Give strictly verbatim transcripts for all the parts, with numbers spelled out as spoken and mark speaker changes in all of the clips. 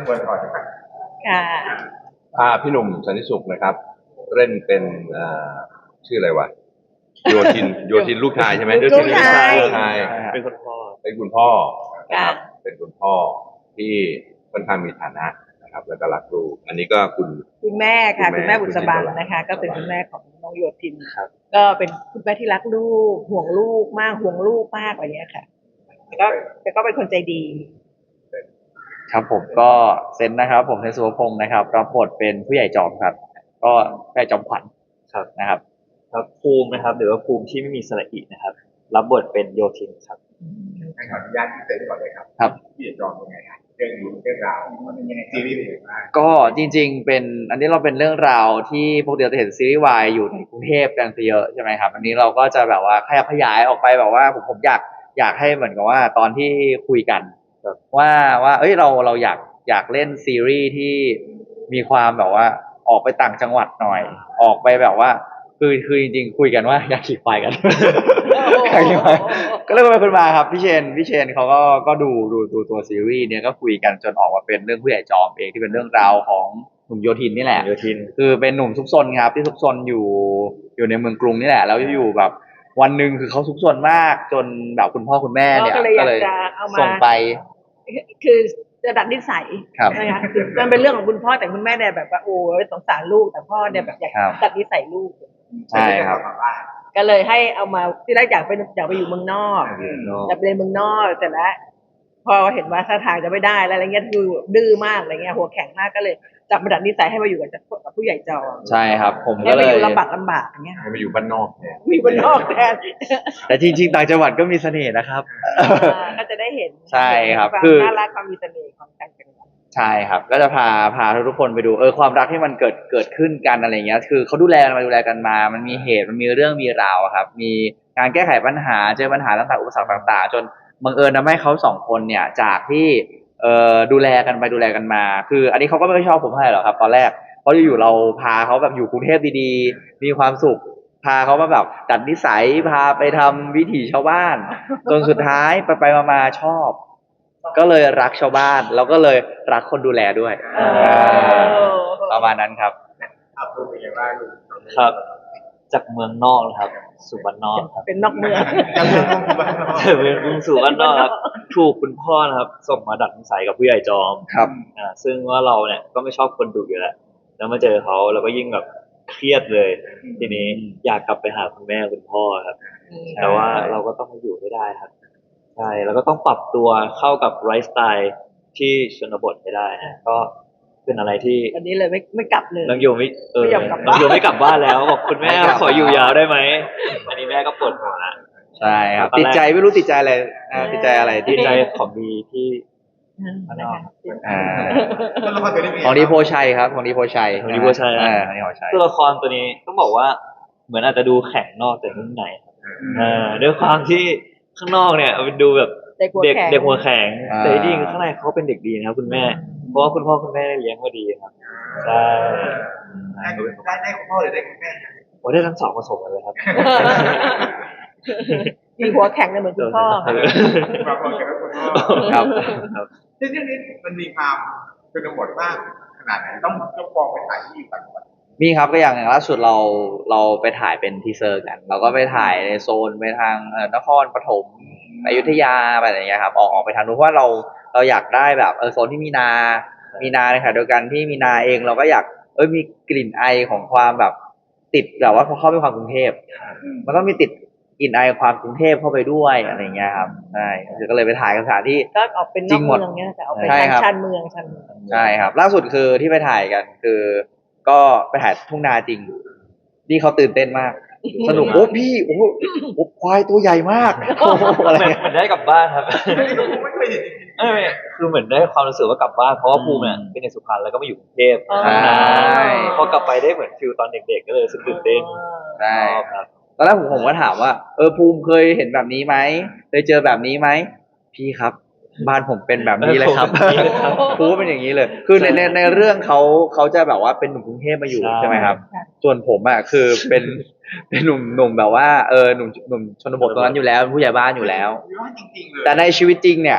Speaker 1: ตัวละครนะครับ
Speaker 2: ค่ะ
Speaker 3: อ่าพี่หนุ่มสันติสุขนะครับเล่นเป็นอ่าชื่ออะไรวะโยทินโยทินลูกชายใช่ไหม
Speaker 2: ลูกชาย
Speaker 3: ลูกชาย
Speaker 4: เป็นคุณพ่อ
Speaker 3: เป็นคุณพ่อนะค
Speaker 2: ค่ะ
Speaker 3: รับเป็นคุณพ่อที่ค่อนข้างมีฐานะนะครับแล้วก็รักลูกอันนี้ก็คุณ
Speaker 2: คุณแม่ค่ะ
Speaker 3: คุ
Speaker 2: คุณ ณ
Speaker 3: แม่
Speaker 2: แม่บุษบัง
Speaker 3: คุณจินตรา
Speaker 2: นะคะ ก็เป็นคุณแม่ของน้องโยธิน
Speaker 4: ครับ
Speaker 2: ก็เป็นคุณแม่ที่รักลูกห่วงลูกมากห่วงลูกมากอะไรเงี้ยค่ะแต่ก็แต่ก็เป็นคนใจดี
Speaker 5: ครับผมก็เซนนะครับ ผมเซนสุวพงศ์นะครับรับบทเป็นผู้ใหญ่จอมครับ ก็ผู้ใหญ่จอมขวัญ
Speaker 4: ครับ
Speaker 5: นะครับ
Speaker 4: ครับภูมินะครับหรือว่าภูมิที่ไม่มีสระอีนะครับ รับบทเป็นโยทินครับ
Speaker 1: ขออนุญาตที่เต็มก่อนเลยครับ
Speaker 5: ครับ
Speaker 1: พี่จอมเป็นไงครับเรื่องนี้เรื่องราวมันเป็นยังไงซีรีส์เป็นยังไงบ้าง
Speaker 5: ก็จริงๆ เป็นอันนี้เราเป็นเรื่องราวที่ปกติเราจะเห็นซีรีส์วายอยู่ในกรุงเทพกันซะเยอะใช่ไหมครับ อันนี้เราก็จะแบบว่าขยับขยายออกไปแบบว่าผมผมอยากอยากให้เหมือนกับว่าตอนที่คุยกันว่าว่าเอ้ยเราเราอยากอยากเล่นซีรีส์ที่มีความแบบว่าออกไปต่างจังหวัดหน่อย ออกไปแบบว่าคือคือจริงๆ คุยกันว่าอยากขี่ควายกัน อยากขี่ควายก็เลยไปคุยมาครับพี่เชนพี่เชนเขาก็ก็ดูดูดูตัวซีรีส์เนี้ยก็คุยกันจนออกมาเป็นเรื่องผู้ใหญ่จอมเองที่เป็นเรื่องราวของหนุ่มโยธินนี่แหละ
Speaker 4: โยทิน
Speaker 5: คือเป็นหนุ่มซุกซนครับที่ซุกซนอยู่อยู่ในเมืองกรุงนี่แหละแล้วอยู่แบบวันหนึ่งคือเขาซุกซนมากจนแบบคุณพ่อคุณแม่เนี่ย
Speaker 2: ก็เลยอยากจะเอามา
Speaker 5: ส่งไป
Speaker 2: คือจะดัดนิสัย
Speaker 5: ครับ
Speaker 2: นะคะคือมันเป็นเรื่องของคุณพ่อแต่คุณแม่เนี่ยแบบว่าโอ้ยสงสารลูกแต่พ่อเนี่ยแบบอยาก
Speaker 5: ครับ
Speaker 2: ดัดนิสัยลูก
Speaker 5: ใช่ครับ
Speaker 2: ก็เลยให้เอามาที่แรกอยากไปอยากไปอยู่เมืองนอกอยากไปเรียนเมืองนอกแต่ละพอเห็นว่าท่าทางจะไม่ได้แล้วอะไรเงี้ยดูดื้อมากอะไรเงี้ยหัวแข็งมากก็เลยจับมาดัดนิสัยให้มาอยู่กับกับผู้ใหญ่จอม
Speaker 5: ใช่ครับ ผม
Speaker 2: ให้
Speaker 5: ก็เล
Speaker 2: มาย อยู่ลำบากลำบากอย่างเงี้ย
Speaker 3: ให้มาอยู่บ้านนอกเนี่ย
Speaker 2: มีบนนอกแทน
Speaker 5: แต่จริงๆต่างจังหวัดก็มีเสน่ห์นะครับ
Speaker 2: อ่าก็จะได้เห็น
Speaker 5: ใช่ครับ
Speaker 2: ความ
Speaker 5: คือ
Speaker 2: น่ารักความมีเสน่ห์ของต่างจังหวัด
Speaker 5: ใช่ครับ ก็จะพาพาทุกคนไปดูเออความรักที่มันเกิดเกิดขึ้นกันอะไรเงี้ย คือเขาดูแลกันมาดูแลกันมา มันมีเหตุมันมีเรื่องมีราวอะครับ มีการแก้ไขปัญหาเจอปัญหาต่างๆอุปสรรคต่างๆ จนบังเอิญทำให้เขาสองคนเนี่ยจากที่เอ่อดูแลกันไปดูแลกันมา คืออันนี้เขาก็ไม่ค่อยชอบผมเท่าไหร่หรอกครับ ตอนแรกเพราะอยู่ๆเราพาเขาแบบอยู่กรุงเทพดีๆ มีความสุข พาเขามาแบบดัดนิสัยพาไปทำวิถีชาวบ้าน จนสุดท้ายไปไปๆมาๆชอบ ก็เลยรักชาวบ้านแล้วก็เลยรักคนดูแลด้วย
Speaker 2: เออ
Speaker 5: ประมาณนั้นครับ
Speaker 1: อัพรูปเป็นยังไงบ้างลูก
Speaker 4: ครับ จากเมืองนอกนะครับสู่บ้านนอกครับ
Speaker 2: เป็นนอกเมือง
Speaker 1: จำเรื่องของบ้านเรา
Speaker 4: จากเมืองกรุงสู่บ้านนอกครับถูกคุณพ่อนะครับ ส่งมาดัดนิสัยกับผู้ใหญ่จอม
Speaker 5: ครับ
Speaker 4: อ่าซึ่งว่าเราเนี่ยก็ไม่ชอบคนดุอยู่แล้วแล้วมาเจอเขาเราก็ยิ่งแบบเครียดเลย ทีนี้อยากกลับไปหาคุณแม่คุณพ่อครับ แต่ว่าเราก็ต้องมาอยู่ให้ได้ครับใช่แล้วก็ต้องปรับตัวเข้ากับไลฟ์สไตล์ที่ชนบทให้ได้นะก็เป็นอะไรที่
Speaker 2: วันนี้เลยไม่ไม่กลับเลย
Speaker 4: น้องโยไม่เออ
Speaker 2: ไม่ยอมกลับ
Speaker 4: น้องโยไม่กลับบ้านแล้วบอกคุณแม่
Speaker 5: ไม่กลับ
Speaker 4: ขออยู่ยาวได้ไหมอันนี้แม่ก็ปวดหัวละ
Speaker 5: ใช่ครับ
Speaker 4: ตอนแรก
Speaker 5: ติดใจไม่รู้ติดใจอะไรอ่าติดใจอะไร
Speaker 4: ดี
Speaker 5: ที่
Speaker 4: ใจของดีที่
Speaker 2: นะคะ
Speaker 5: อ่า
Speaker 1: ตัวละครตัวนี้เป็นยังไง
Speaker 5: ของดีโพชัยครับของดีโพชัย
Speaker 4: ของดีโพชัยนะ
Speaker 5: อ่าของดีโพชัย
Speaker 4: ตัวละครตัวนี้ต้องบอกว่าเหมือนอาจจะดูแข็งนอกแต่ข้างในครับเอ่าด้วยความที่ข้างนอกเนี่ยมันดูแบบ
Speaker 2: เด็กหัว
Speaker 4: เด็ก
Speaker 2: แข็ง
Speaker 4: เด็กหัวแข็ง
Speaker 5: อ่า
Speaker 4: แต่จริงๆข้างในเขาเป็นเด็กดีนะครับคุณแม่ เพราะว่าคุณพ่อคุณแม่เลี้ยงมาดีครับใช่
Speaker 1: ได้ได้ได้คุณพ่อหรือได้คุณแม่
Speaker 4: โอ้ได้ทั้งสองผสมกันเลยครับ
Speaker 2: มีหัวแข็งเลยเหมือนคุณพ่อค่ะ
Speaker 1: มาพร้อมกันกับคุณพ่อ
Speaker 5: ครับ
Speaker 1: ซึ่งเรื่องนี้มันมีความเป็นบทมากขนาดไหนต้องต้องฟองไปถ่ายที่ต่างจังหวัด
Speaker 5: มีครับก็อย่างอย่างล่าสุดเราเราไปถ่ายเป็นทีเซอร์กัน เราก็ไปถ่ายในโซนไปทางเอ่อนครปฐมอยุธยาไปอะไรอย่างเงี้ยครับออกออกไปทางนู้นเพราะว่าเราเราอยากได้แบบเออโซนที่มีนา มีนาในขณะเดียวกันที่มีนาเองเราก็อยากเออมีกลิ่นไอของความแบบติดแบบว่าพอเข้าไปความกรุงเทพมันต้องมีติดกลิ่นไอความกรุงเทพเข้าไปด้วยอะไรอย่างเงี้ยครับใช่ก็เลยไปถ่ายกันสถานที่
Speaker 2: ก็ออกเป็นน
Speaker 5: จริ
Speaker 2: อก
Speaker 5: งหม
Speaker 2: เมื
Speaker 5: ด
Speaker 2: องเนี้ยแต่เอาไป
Speaker 5: ใช่
Speaker 2: ทาง
Speaker 5: ครับ
Speaker 2: ชานเมืองชานเมือง
Speaker 5: ใช่ครับ ล่าสุดคือที่ไปถ่ายกันคือ ก็ไปถ่ายทุ่งนาจริงนี่เขาตื่นเต้นมาก สนุกโอ้พี่โอ้โหโอ้ควายตัวใหญ่มากโอ้โหอะไร
Speaker 4: เหมือน
Speaker 5: เงี้ย
Speaker 4: เหมือนได้กลับบ้านครับ
Speaker 1: ไม่เคยเห็นจริง
Speaker 4: ไม่ไม่คือเหมือนได้ความรู้สึกว่ากลับบ้านเพราะว่าภูมิเนี่ยเป็นในสุพรรณแล้วก็มาอยู่กรุงเทพ
Speaker 2: อ๋อ
Speaker 4: นานพอกลับไปได้เหมือนฟิลตอนเด็กๆก็เลยรู้สึกตื่นเต้น
Speaker 5: ใช่
Speaker 4: ชอบครับ
Speaker 5: ตอนแรกผมผมก็ถามว่าเออภูมิเคยเห็นแบบนี้ไหมเคยเจอแบบนี้ไหมพี่ครับ บ้านผมเป็นแบบนี้เลยครับ
Speaker 4: แบบนี้เลยครับ
Speaker 5: ภูมิเป็นอย่างนี้เลย คือในในในเรื่องเขาเขาจะแบบว่าเป็นหนุ่มกรุงเทพมาอยู่
Speaker 4: ใช่
Speaker 5: ใช่ไหมครับ
Speaker 2: ค่ะ
Speaker 5: ส่วนผมอ่ะคือเป็นเป็นหนุ่มหนุ่มแบบว่าเออหนุ่มหนุ่มชนบทตรงนั้นอยู่แล้วเป็นผู้ใหญ่บ้านอยู่แล้ว
Speaker 1: ๆอยู่ว่าจริงๆเลย
Speaker 5: แต่ในชีวิตจริงเนี่ย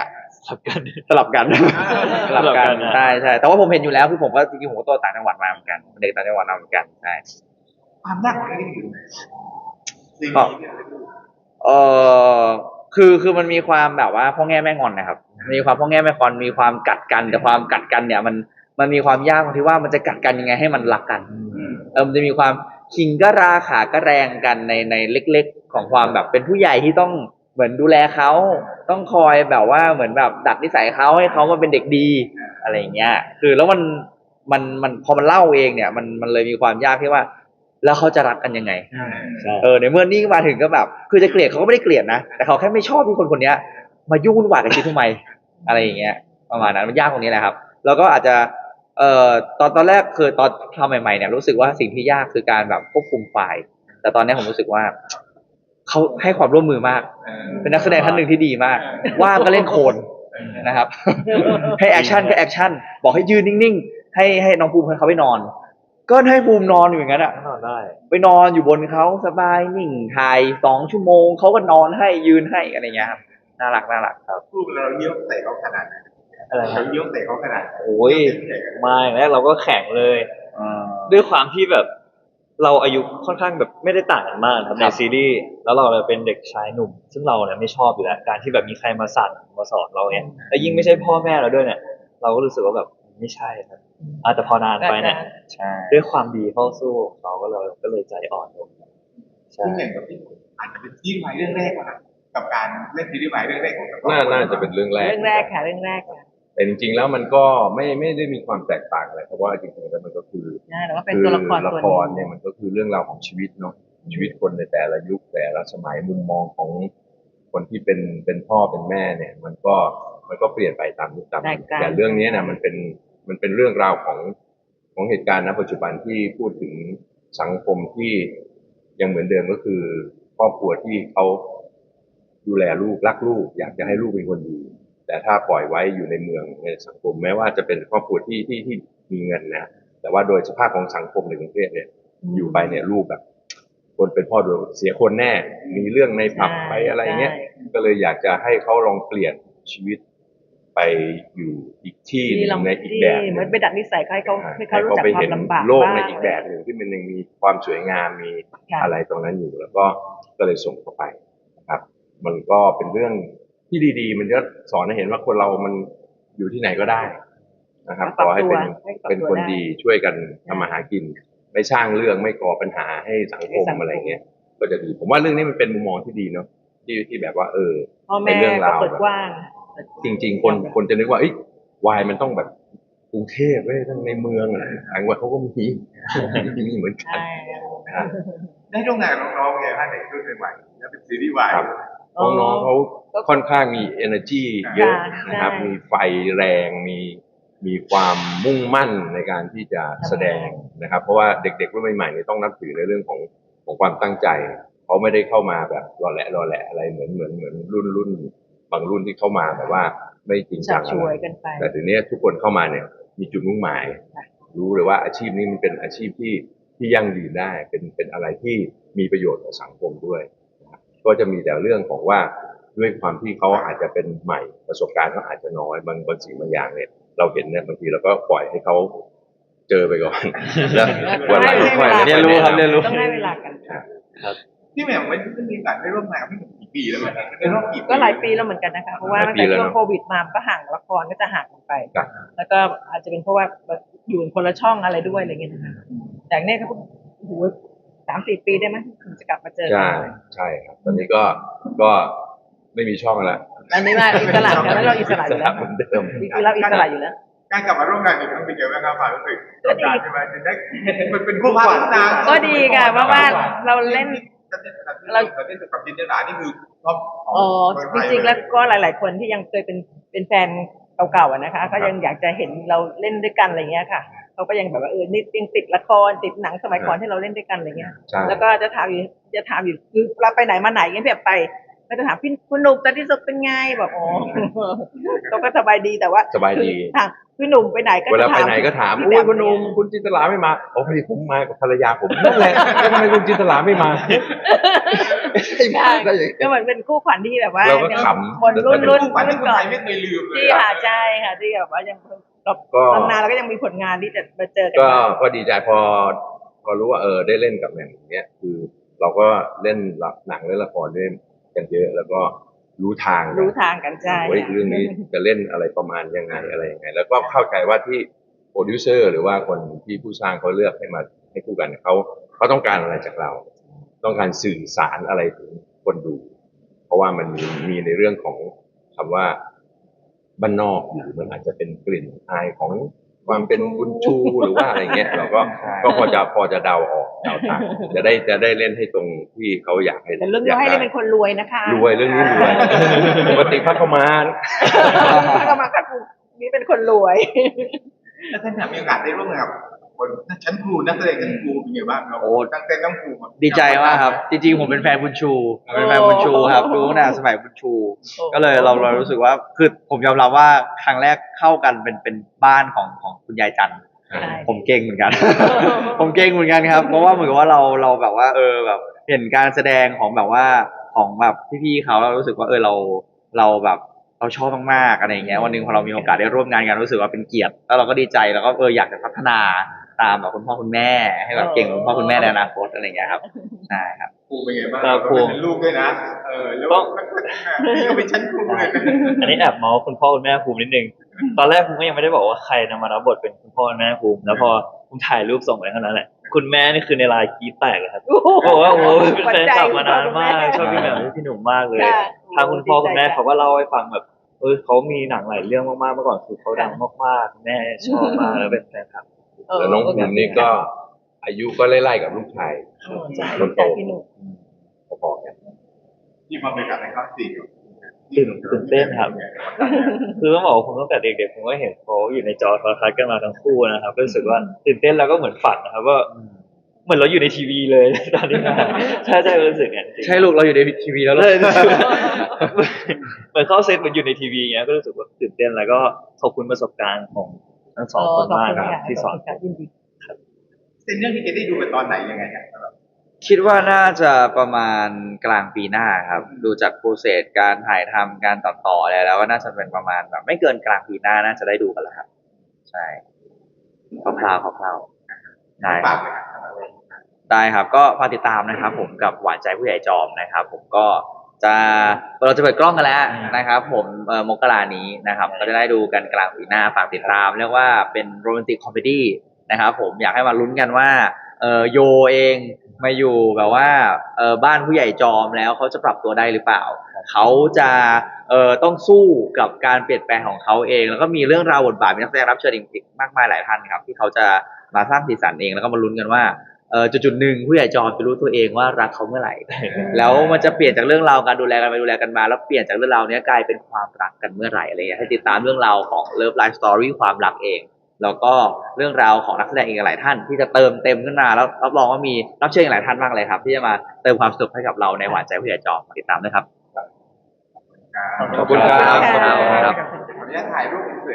Speaker 4: สลับกัน
Speaker 5: สลับกัน สลับกัน
Speaker 4: สลับกันนะ
Speaker 5: ใช่ใช่แต่ว่าผมเห็นอยู่แล้วคือผมก็จริงๆผมก็โตต่างจังหวัดมาเหมือนกันเด็กต่างจังหวัดมาเหมือนกันใช่
Speaker 1: ความยากของเรื่องนี้อยู่ไหนสิ่ง
Speaker 5: ก็
Speaker 1: นี้เนี่ยเราดู
Speaker 5: เออคือคือมันมีความแบบว่าพ่อแง่แม่งอนนะครับมีความพ่อแง่แม่งอนมีความกัดกันแต่ความกัดกันเนี่ยมันมันมีความยากตรงที่ว่ามันจะกัดกันยังไงให้มันรักกันเออมันจะมีความคิงก็ราขาก็แรงกันในในเล็กๆ ของความแบบเป็นผู้ใหญ่ที่ต้องเหมือนดูแลเขาต้องคอยแบบว่าเหมือนแบบดัดนิสัยเขาให้เขามาเป็นเด็กดีอะไรอย่างเงี้ยคือแล้วมันมันมันพอมันเล่าเองเนี่ยมันมันเลยมีความยากที่ว่า แล้วเขาจะรักกันยังไง
Speaker 4: ใช่
Speaker 5: เออในเมื่อนี่มาถึงก็แบบ คือจะเกลียดเขาก็ไม่ได้เกลียดนะแต่เขาแค่ไม่ชอบที่คนคนเนี้ย มายุ่งวุ่นวายกับชีวิตทำไมอะไรอย่างเงี้ยประมาณนั้นมันยากตรงนี้แหละครับ แล้วก็อาจจะเอ่อตอนตอนแรกคือตอนทำใหม่ๆเนี่ยรู้สึกว่าสิ่งที่ยากคือการแบบควบคุมไฟล์แต่ตอนนี้ผมรู้สึกว่าเขาให้ความร่วมมือมาก
Speaker 1: เออ
Speaker 5: เป็นนักแสดงท่านหนึ่งที่ดีมากว่างก็เล่นโคลนนะครับ ให้แอคชั่นก็แอคชั่นบอกให้ยืนนิ่งๆให้ให้น้องภูมิเขาไปนอน ก็ให้ภูมินอนอยู่อย่างนั้นอ่ะ
Speaker 4: นอนได้
Speaker 5: ไปนอนอยู่บนเขาสบายนิ่งถ่ายสองชั่วโมงเขาก็นอนให้ยืนให้อะไรเงี้ยครับน่ารักน่ารักครับ
Speaker 1: พูดเราเยี่ยวใส่เขาขนาดไหน
Speaker 4: อะไรครั
Speaker 1: เรา
Speaker 4: บ
Speaker 1: เยี่ยวใส่เขาขนาดไหน
Speaker 4: โอ้ยมาอย่างแรกเราก็แข็งเลย ด้วยความที่แบบเราอายุค่อนข้างแบบไม่ได้ต่างกันมากครับในซีรีส์แล้วเราเนี่ยเป็นเด็กชายหนุ่ม ซึ่งเราเนี่ยไม่ชอบอยู่แล้วการที่แบบมีใครมาสั่งมาสอนเราเนี่ยแล้วยิ่งไม่ใช่พ่อแม่เราด้วยเนี่ย เราก็รู้สึกว่าแบบไม่ใช่ครับอ่ะแต่พอนานไปเนี่ย
Speaker 5: ใช่
Speaker 4: ด้วยความดีเข้าสู้เขาก็เลยก็เลยใจอ่อนลงใช่
Speaker 1: ซึ่งอย่างกับที่อาจจะเป็นซีรีส์วายเรื่องแรกนะกับการเล่นซีรีส์วายเรื่องแรกของเรา
Speaker 3: น่าน่าจะเป็นเรื่องแรก
Speaker 2: เรื่องแรกค่ะเรื่องแรกค่ะ
Speaker 3: แต่จริงๆแล้วมันก็ไม่ไม่ได้มีความแตกต่างอะไรเพราะว่าจริงๆแล้วมันก็คือ
Speaker 2: ใช่แต่ว่าเป็น
Speaker 3: คือ
Speaker 2: ตัวละคร
Speaker 3: ละ
Speaker 2: ตัว
Speaker 3: ค
Speaker 2: ห
Speaker 3: ร
Speaker 2: นึง
Speaker 3: เนี่ยมันก็คือเรื่องราวของชีวิตเนาะชีวิตคนในแต่ละยุคแต่ละสมัยมุมมองของคนที่เป็นเป็นพ่อเป็นแม่เนี่ย มันก็มันก็เปลี่ยนไปตามยุคตาม
Speaker 2: แตกต่าง
Speaker 3: แต่เรื่องนี้นะมันเป็นมันเป็นเรื่องราวของของเหตุการณ์ณปัจจุบันที่พูดถึงสังคมที่ยังเหมือนเดิมก็คือครอบครัวที่เขาดูแลลูกรักลูก อยากจะให้ลูกเป็นคนดี แต่ถ้าปล่อยไว้อยู่ในเมืองในสังคมแม้ว่าจะเป็นครอบครัวที่ที่ที่มีเงินนะแต่ว่าโดยสภาพของสังคมในกรุงเทพเนี่ย อยู่ไปเนี่ยลูกแบบ คนเป็นพ่อโดนเสียคนแน่ มีเรื่องในผับ
Speaker 2: ใช่
Speaker 3: ไปอะไรเงี้ย
Speaker 2: ใช่
Speaker 3: ก็เลยอยากจะให้เขาลองเปลี่ยนชีวิตไปอยู่อีกที่ห
Speaker 2: ที่
Speaker 3: นึ่
Speaker 2: ลอง
Speaker 3: งในอีก
Speaker 2: ที่
Speaker 3: แบบหนึ่ง
Speaker 2: เหมือนไปดัดนิสัยเขาให้เขาให้เขารู้จัก
Speaker 3: ไป
Speaker 2: ควา
Speaker 3: เห็
Speaker 2: ม
Speaker 3: น
Speaker 2: ลำบาก
Speaker 3: โลก
Speaker 2: บ้าง
Speaker 3: ในอีกแบบหนึ่งที่มันยังมีความสวยงามมี
Speaker 2: ค่ะ
Speaker 3: อะไรตรงนั้นอยู่แล้วก็ก็เลยส่งเข้าไปนะครับ มันก็เป็นเรื่องที่ดีๆ มันก็สอนให้เห็นว่าคนเรามันอยู่ที่ไหนก็ได้นะครับ
Speaker 2: ปรับ
Speaker 3: ขอให้เป็น
Speaker 2: ตัวให้ปรับ
Speaker 3: เป็น
Speaker 2: ตัว
Speaker 3: คน
Speaker 2: ได้
Speaker 3: ดีช่วยกันทำมาหากิน ไม่สร้างเรื่องไม่ก่อปัญหาให้สังค
Speaker 2: ให้
Speaker 3: ม
Speaker 2: สังคม
Speaker 3: อะไรเงี้ย ก็จะดี ผมว่าเรื่องนี้มันเป็นมุมมองที่ดีเนาะที่ที่แบบว่า เออ
Speaker 2: พ่อ
Speaker 3: ใน
Speaker 2: แม่
Speaker 3: เรื่อง
Speaker 2: ก็
Speaker 3: ราว
Speaker 2: เปิด
Speaker 3: แบบ
Speaker 2: กว้าง
Speaker 3: จริง ๆ คนคนจะนึกว่าเอ้ยวายมันต้องแบบกรุงเทพเว้ยทั้งในเมืองอะไรต่างจังหวัดเขาก็มีมีเหมือนกัน
Speaker 2: ใช่
Speaker 3: นะครับ
Speaker 1: ได้ร่วมงานกับน้องๆไงฮะเด็กรุ่นใหม่ๆแล้วเป็นซีรีส์วาย
Speaker 3: ครับ น้องๆเขาค่อนข้างมี energy เยอะ
Speaker 2: ใช่
Speaker 3: นะครับ
Speaker 2: ใช่
Speaker 3: มีไฟแรงมีมีความมุ่งมั่นในการที่จะแสดงนะครับ เพราะว่าเด็กๆรุ่นใหม่ๆเนี่ยต้องนับถือในเรื่องของของความตั้งใจเขาไม่ได้เข้ามาแบบรอแหละรอแหละอะไรเหมือนเหมือนเหมือนรุ่นรุ่นบางรุ่นที่เข้ามาแบบว่าไม่จริง
Speaker 2: ชั
Speaker 3: จั
Speaker 2: ก
Speaker 3: ง
Speaker 2: ช
Speaker 3: อะ
Speaker 2: ว
Speaker 3: ไร
Speaker 2: ยกันไป
Speaker 3: แต่ทีนี้ทุกคนเข้ามาเนี่ยมีจุดมุ่งหมาย
Speaker 2: ค่ะ
Speaker 3: รู้เลยว่าอาชีพนี้มันเป็นอาชีพที่ที่ยั่งยืนได้ เป็นเป็นอะไรที่มีประโยชน์ต่อสังคมด้วยนะครับก็จะมีแต่เรื่องของว่าด้วยความที่เขาอาจจะเป็นใหม่ประสบการณ์เขาอาจจะน้อยบางบางสิ่งบางอย่างเนี่ย เราเห็นเนี่ยบางทีเราก็ปล่อยให้เขาเจอไปก่อน แล้ววันหลังค่อยๆ
Speaker 5: เรียนรู้ครับเรียนรู้
Speaker 2: ต้องให้เวลากัน
Speaker 1: ที่แหม่มไม่ได้มีโอกาสได้ร่วมงานกับพี่หนุ่มกี่ปีแล้วเนี่ยได้ร่วมกี่ปี
Speaker 2: ก็หลายปีแล้วเหมือนกันนะคะ เพราะว่า
Speaker 3: หลาย
Speaker 2: ตั้ง
Speaker 3: ปี
Speaker 2: แต่
Speaker 3: แล้ว
Speaker 2: ช่วง
Speaker 3: เนอะ
Speaker 2: โควิดมามันก็ห่างละครก็จะห่างกันไป
Speaker 3: ครับ
Speaker 2: แล้วก็อาจจะเป็นเพราะว่าอยู่คนละช่องอะไรด้วยอะไรเงี้ยนะคะแต่เนี่ยก็โอ้โหสามสี่ปีได้ไหมถึงจะกลับมาเจอกั
Speaker 3: ใช่
Speaker 2: น
Speaker 3: ใช่ครับ ตอนนี้ก็ก็ไม่มีช่องแล้ว
Speaker 2: อันนี้ว่าอิสระกันแล้วเราอิสระอยู่แล้ว
Speaker 3: เหมือนเดิม
Speaker 2: คือเราอิสระอยู่แล้ว
Speaker 1: การกลับมาร่วมงานอีกครั้งเป็นยังไงบ้างครับความรู้สึก
Speaker 2: ก็ดี
Speaker 1: การใช่ไหมจะได้มันเป็นคู่พาทุกนาง
Speaker 2: ก็ดีค่ะเพราะว่าเราเล่น
Speaker 1: เราเราเล่นกับจินตลานี่คือชอบข
Speaker 2: อ๋อ
Speaker 1: เมืง
Speaker 2: จ
Speaker 1: ไทย
Speaker 2: ริงๆแล้วก็หลาย ๆ คนที่ยังเคยเป็นเป็นแฟนเก่าๆอะนะคะก็ยังอยากจะเห็นเราเล่นด้วยกันอะไรเงี้ยค่ะเขาก็ยังแบบว่าเออนี่ยังติดละครติดหนังสมัยก่อนที่เราเล่นด้วยกันอะไรเงี้ย
Speaker 3: ใช่
Speaker 2: แล้วก็จะถามอยู่จะถามอยู่คือเราไปไหนมาไหนเงี้ยแบบไปก็จะถามพี่คุณหนุ่มตอนที่สุดเป็นไงแบบอ๋อ เขาก็สบายดีแต่ว่า
Speaker 3: สบายดี
Speaker 2: ถามพี่หนุ่มไปไหนก็
Speaker 3: เวลา
Speaker 2: จะ
Speaker 3: ไป
Speaker 2: ถาม
Speaker 3: ไหนก็ถาม
Speaker 2: พี่
Speaker 3: โอ้ย
Speaker 2: แห
Speaker 3: คุณหนุ่มคุณจินตลาไม่มาโอ้พอดีผมมากับภรรยาผมนั่นแหละแล้วทำไมคุณจินตลาไม่มา
Speaker 5: ใช่มากได้ยังไง
Speaker 2: ก็เหมือนเป็นคู่ขวัญที่แบบว่า
Speaker 3: เราก็
Speaker 2: ยัง
Speaker 3: ขำ
Speaker 2: คนรุ่นรุ่น
Speaker 1: ฝัน
Speaker 2: รุ่
Speaker 1: ที่
Speaker 2: น
Speaker 1: คน
Speaker 2: ก่อ
Speaker 1: ไท
Speaker 2: น
Speaker 1: ยไม่เคยลืมเลย
Speaker 2: ที่ค่ะใช่ค่ะที่แบบว่ายังเรา
Speaker 3: ก็
Speaker 2: นานๆแล้วก็ยังมีผลงานที่จะมาเจอกัน
Speaker 3: ก็
Speaker 2: บ้าง
Speaker 3: ก็ดีใจพอ พอรู้ว่าเออได้เล่นกับแหม่มอย่างเงี้ยคือ เราก็เล่นหนังเล่นละครเล่นกันเยอะ แล้วก็รู้ทางกัน
Speaker 2: รู้ทางกันใช่
Speaker 3: เฮ้ยเรื่องนี้จะเล่นอะไรประมาณยังไงอะไรยังไง แล้วก็เข้าใจว่าที่โปรดิวเซอร์หรือว่าคนที่ผู้สร้างเขาเลือกให้มาให้คู่กันเขาเขาต้องการอะไรจากเรา ต้องการสื่อสารอะไรถึงคนดู เพราะว่ามันมีมีในเรื่องของคำว่าบ้านนอกอยู่มันอาจจะเป็นกลิ่นอายของความเป็นบุญชูหรือว่าอะไรเงี้ยเราก็ก็พอจะพอจะเดาออกเดาทางจะได้จะได้เล่นให้ตรงที่เขาอยากให้
Speaker 2: แต่เรื่องนี้ให้ได้เป็นคนรวยนะคะ
Speaker 3: รวยเรื่องนี้รวยปกติพักเข้ามา
Speaker 2: แล้วก็มาคัดนี่เป็นคนรวย
Speaker 1: แล้วท่านมีโอกาสได้ร่วมงานกับคนชั้นครูนักแสดงชั้นครูเป็นไงบ้างครับ
Speaker 5: โอ้
Speaker 1: ตั้งแต่น้องครูมา
Speaker 5: ดีใจมากครับ จริงๆผมเป็นแฟนบุญชูเป็นแฟนบุญชูครับดูตั้งแต่สมัยบุญชู
Speaker 2: โอ้
Speaker 5: ก็เลยเราเรารู้สึกว่าคือผมยอมรับว่าครั้งแรกเข้ากันเป็นเป็นบ้านของของคุณยายจันทร์
Speaker 2: ใช่
Speaker 5: ผมเก่งเหมือน กัน ผมเก่งเหมือนกันครับ เพราะว่าเหมือนกับว่าเราเราแบบว่า เออแบบ เห็นการแสดงของแบบว่าของแบบพี่ๆเขาเรารู้สึกว่าเออเราเราแบบเราชอบมากๆอะไรอย่างเงี้ยวันหนึงพอเรามีโอกาสได้ร่วมงานกันรู้สึกว่าเป็นเกียรติแล้วเราก็ดีใจแล้วก็เอออยากจะพัฒนาตามแบบคุณพ่อคุณแม่ให้แบบเก่งเหมือนคุณพ่อคุณแม่ในอนาคตอะไรอย่างเงี้ยครับใช่ครับ
Speaker 1: ครูเป็นไงบ้าง
Speaker 4: ครับครู
Speaker 1: เป็นลูกด้วยนะเออแล้ว
Speaker 4: ต้อง
Speaker 1: นี่ก็เป็นชั้นครูเลย
Speaker 4: อันนี้แอบเมาส์คุณพ่อคุณแม่ภูมินิดนึง ตอนแรกภูมิก็ยังไม่ได้บอกว่าใครนะมารับบทเป็นคุณพ่อคุณแม่ภูมิแล้วพอภูมิถ่ายรูปส่งไปเท่านั้นแหละ คุณแม่นี่คือในไลน์กรี๊ดแตกเลยครับบอกว่าโอ้โหเป็นแฟนคลับมานานมากชอบพี่แหม่มพี่หนุ่มมากเลย
Speaker 2: ค่ะ
Speaker 4: ทางคุณพ่อคุณแม่เขาก็เล่าให้ฟังแบบเออเขามีหนังหลายเรื่องมากๆเมื่อก่อนคือเขาดังมากๆแม่ชอบมากแล้วเป็นแฟนคลับ
Speaker 3: แล้วน้องภูมินี่ก็อายุก็ไล่ๆกับลูกชาย
Speaker 2: เออใช่
Speaker 3: คนโต
Speaker 2: พี่หนุ่ม
Speaker 3: พอๆกัน
Speaker 1: ที่มาเป็นการในคลาสสี่
Speaker 4: ตื่นตื่นเต้นครับ คือต้องบอกว่าผมตั้งแต่เด็กๆผมก็เห็นเขาอยู่ในจอโทรทัศน์กันมาทั้งคู่นะครับรู้สึกว่าตื่นเต้นแล้วก็เหมือนฝันนะครับว่าเหมือนเราอยู่ในทีวีเลย ตอนนี้ใช่ใช่รู้สึกอย่างนั้นจริง
Speaker 5: ใช่ลูกเราอยู่ในทีวีแล้วเล
Speaker 4: เลย ยเหมือนเข้าเซตเหมือนอยู่ในทีวีอย่างเงี้ยก็รู้สึกว่าตื่นเต้นแล้วก็ขอบคุณประสบการณ์ของทั้งสองคนมากครับที่สอน
Speaker 2: ขบคุณค่ะยินดี
Speaker 1: เป็นเรื่องที่เกดได้ดูไปตอนไหนยังไงเนี่ย
Speaker 5: คิดว่าน่าจะประมาณกลางปีหน้าครับ ดูจากโปรเซสการถ่ายทำการตัดต่ออะไรแล้วก็น่าจะเป็นประมาณแบบไม่เกินกลางปีหน้าน่าจะได้ดูกันแล้วครับ ใช่คร่าวๆคร่าวๆได้ค
Speaker 1: ฝา
Speaker 5: รั
Speaker 1: ก
Speaker 5: บ
Speaker 1: เลยครับ
Speaker 5: ได้ครับก็ฝากติดตามนะครับ ผมกับหวานใจผู้ใหญ่จอมนะครับ ผมก็จะเราจะเปิดกล้องกันแล้วนะครับ ผมเอ่อมกรานี้นะครับ ก็จะได้ดูกันกลางปีหน้าฝากติดตามเรียกว่าเป็นโรแมนติกคอมเมดี้นะครับ ผมอยากให้มาลุ้นกันว่าเออโยเองมาอยู่แบบว่าเออบ้านผู้ใหญ่จอมแล้วเขาจะปรับตัวได้หรือเปล่าเขาจะเอ่อต้องสู้กับการเปลี่ยนแปลงของเขาเอง แล้วก็มีเรื่องราวบทบาทมีนักแสดงรับเชิญอีกมากมายหลายท่านครับ ที่เขาจะมาสร้างสีสันเองแล้วก็มาลุ้นกันว่าเออจุดๆหนึ่งผู้ใหญ่จอมจะรู้ตัวเองว่ารักเขาเมื่อไหร่ แล้วมันจะเปลี่ยนจากเรื่องราวการดูแลกันไปดูแลกันมาแล้วเปลี่ยนจากเรื่องราวนี้กลายเป็นความรักกันเมื่อไหร่อะไรเงี้ยให้ติดตามเรื่องราวของ Love Life Story ความรักเอง แล้วก็เรื่องราวของนักแสดงอีกหลายท่านที่จะเติมเต็มขึ้นมาแล้วรับรองว่ามีรับเชิญอีกหลายท่านมากเลยครับที่จะมาเติมความสนุกให้กับเราในหวานใจผู้ใหญ่จอมติดตามด้วยครับ
Speaker 3: ขอบคุณครับ
Speaker 5: ขอบคุณครับ
Speaker 1: ขออนุญาตถ่ายรูปเส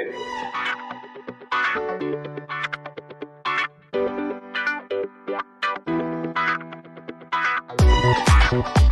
Speaker 1: ร็จ